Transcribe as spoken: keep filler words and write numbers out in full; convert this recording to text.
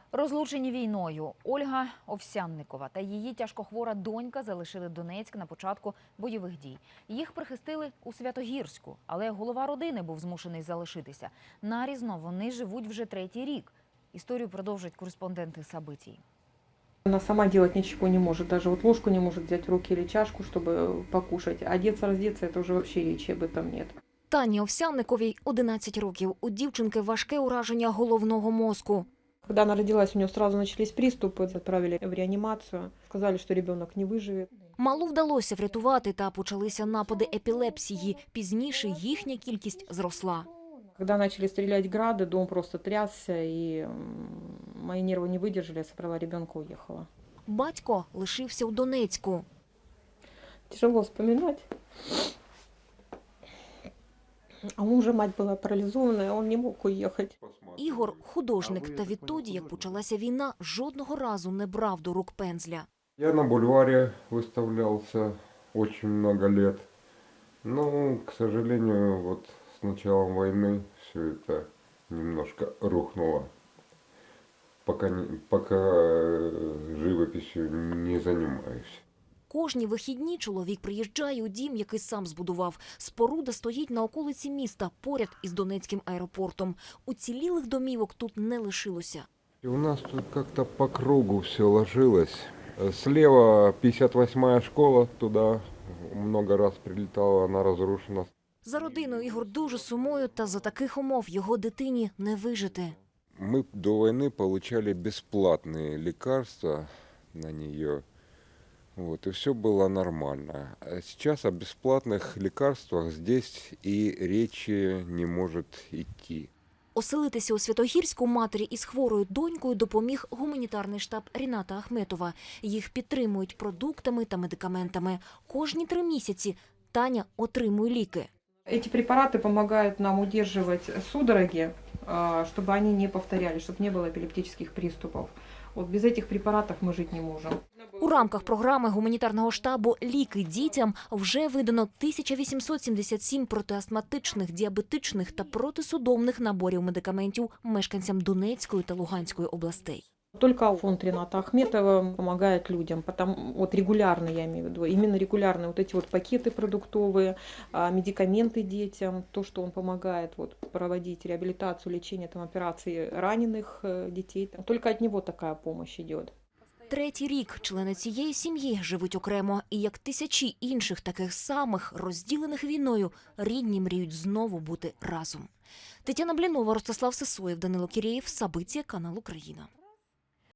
Розлучені війною Ольга Овсянникова та її тяжкохвора донька залишили Донецьк на початку бойових дій. Їх прихистили у Святогірську, але голова родини був змушений залишитися. Нарізно вони живуть вже третій рік. Історію продовжують кореспонденти Сабитій. Она сама делать ничего не может, даже вот ложку не может взять в руки или чашку, чтобы покушать. Одеться, раздеться, это уже вообще речи об этом нет. Тані Овсянниковій одинадцять років. У дівчинки важке ураження головного мозку. Когда она родилась, у нее сразу начались приступы, отправили в реанимацию. Сказали, что ребенок не выживет. Малу вдалося врятувати, та почалися напади епілепсії. Пізніше їхня кількість зросла. Когда начали стрелять грады, дом просто трясся, и мои нервы не выдержали, я собрала ребенка, уехала. Батько лишився у Донецьку. Тяжело вспоминать. А у мужа мать была парализованная, он не мог уехать. Ігор – художник, та відтоді, як почалася війна, жодного разу не брав до рук пензля. Я на бульваре выставлялся очень много лет. Но, к сожалению, вот с началом войны все это немножко рухнуло. Пока, не, пока живописью не занимаюсь. Кожні вихідні чоловік приїжджає у дім, який сам збудував. Споруда стоїть на околиці міста, поряд із Донецьким аеропортом. Уцілілих домівок тут не лишилося. И у нас тут как-то по кругу все ложилось. Слева пятьдесят восьмая школа, туда много раз прилетала, она разрушена. За родиною Ігор дуже сумує, та за таких умов його дитині не вижити. Мы до войны получали бесплатные лекарства на нее. Вот, и все было нормально. А сейчас о бесплатных лекарствах здесь и речи не может идти. Оселитися у Святогірську матері із хворою донькою допоміг гуманітарний штаб Ріната Ахметова. Їх підтримують продуктами та медикаментами. Кожні три місяці Таня отримує ліки. Эти препараты помогают нам удерживать судороги, чтобы они не повторялись, чтобы не было эпилептических приступов. Вот без этих препаратов мы жить не можем. У рамках програми гуманітарного штабу «Ліки дітям» вже видано тисяча вісімсот сімдесят сім протиастматичних, діабетичних та протисудомних наборів медикаментів мешканцям Донецької та Луганської областей. Только фонд Рината Ахметова помогает людям, потому вот регулярно, я имею в виду, именно регулярно вот эти вот пакеты продуктовые, медикаменты детям, то, что он помогает вот проводить реабилитацию, лечение, там, операции раненых детей. Только от него такая помощь идет. Третій рік члени цієї сім'ї живуть окремо. І як тисячі інших таких самих, розділених війною, рідні мріють знову бути разом. Тетяна Блінова, Ростислав Сисоєв, Данило Кірєєв, Сабиття, канал Україна.